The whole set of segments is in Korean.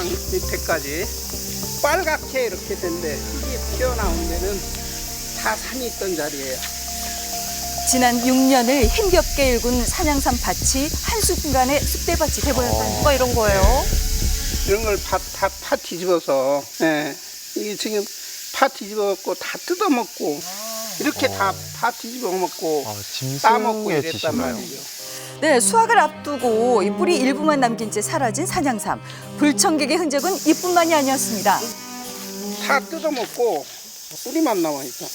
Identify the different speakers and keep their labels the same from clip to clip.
Speaker 1: 중앙 밑에까지 빨갛게 이렇게 된데 흙이 튀어나온 데는 다 산이 있던 자리예요.
Speaker 2: 지난 6년을 힘겹게 일군 산양삼 밭이 한순간에 쑥대밭이 돼버렸다는
Speaker 3: 뭐가 이런 거예요?
Speaker 1: 이런 걸 다 파 뒤집어서, 예. 이게 지금 파 뒤집어갖고 다 뜯어먹고, 이렇게 다 파 뒤집어 먹고, 따먹고
Speaker 4: 짐승의
Speaker 1: 이랬단
Speaker 4: 짓인가요?
Speaker 1: 말이죠.
Speaker 2: 네, 수확을 앞두고 이 뿌리 일부만 남긴 채 사라진 산양삼. 불청객의 흔적은 이뿐만이 아니었습니다.
Speaker 1: 다 뜯어먹고, 뿌리만 남아있잖아.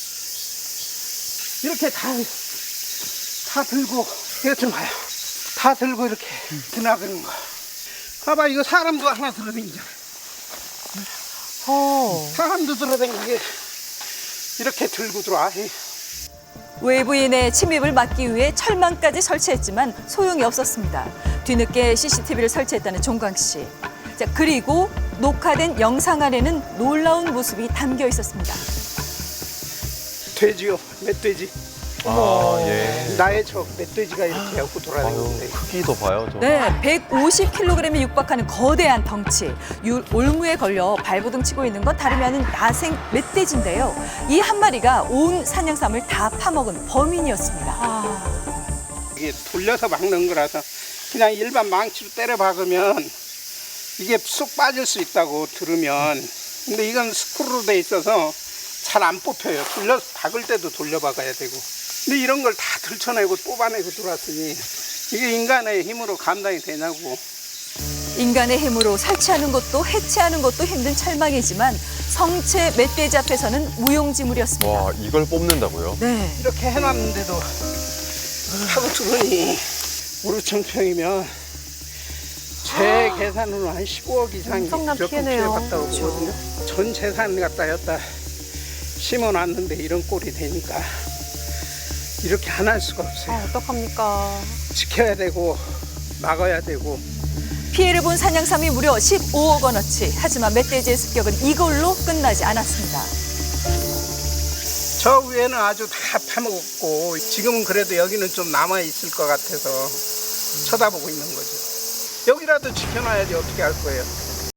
Speaker 1: 이렇게 다 들고, 이것 좀 봐요. 다 들고 이렇게 드나드는 거. 봐봐, 이거 사람도 하나 들어다니잖아. 사람도 들어다니게 이렇게 들고 들어와.
Speaker 2: 외부인의 침입을 막기 위해 철망까지 설치했지만 소용이 없었습니다. 뒤늦게 CCTV를 설치했다는 종광 씨. 자, 그리고 녹화된 영상 안에는 놀라운 모습이 담겨 있었습니다.
Speaker 1: 돼지요, 멧돼지.
Speaker 4: 예.
Speaker 1: 나의 적 멧돼지가 이렇게 하고 돌아다니는데.
Speaker 4: 크기도 봐요.
Speaker 2: 네, 150kg에 육박하는 거대한 덩치. 올무에 걸려 발버둥 치고 있는 건 다름이 아닌 야생 멧돼지인데요. 이 한 마리가 온 산양삼을 다 파먹은 범인이었습니다.
Speaker 1: 이게 돌려서 막는 거라서 그냥 일반 망치로 때려 박으면 이게 쑥 빠질 수 있다고 들으면, 근데 이건 스크루로 돼 있어서 잘 안 뽑혀요. 돌려서 박을 때도 돌려 박아야 되고. 근데 이런 걸 다 들쳐내고 뽑아내고 들어왔으니 이게 인간의 힘으로 감당이 되냐고.
Speaker 2: 인간의 힘으로 설치하는 것도 해체하는 것도 힘든 철망이지만 성체 멧돼지 앞에서는 무용지물이었습니다.
Speaker 4: 와, 이걸 뽑는다고요?
Speaker 2: 네.
Speaker 1: 이렇게 해놨는데도 하고 들으니 오르천평이면 제 계산으로 한 15억 이상이
Speaker 3: 엄청난
Speaker 1: 무조건
Speaker 3: 피해네요.
Speaker 1: 피해봤다고 보거든요. 전 재산 갖다 였다 심어놨는데 이런 꼴이 되니까 이렇게 안 할 수가 없어요.
Speaker 3: 어떡합니까?
Speaker 1: 지켜야 되고 막아야 되고.
Speaker 2: 피해를 본 산양삼이 무려 15억 원어치. 하지만 멧돼지의 습격은 이걸로 끝나지 않았습니다.
Speaker 1: 저 위에는 아주 다 파먹었고 지금은 그래도 여기는 좀 남아있을 것 같아서 쳐다보고 있는 거죠. 여기라도 지켜놔야지 어떻게 할 거예요.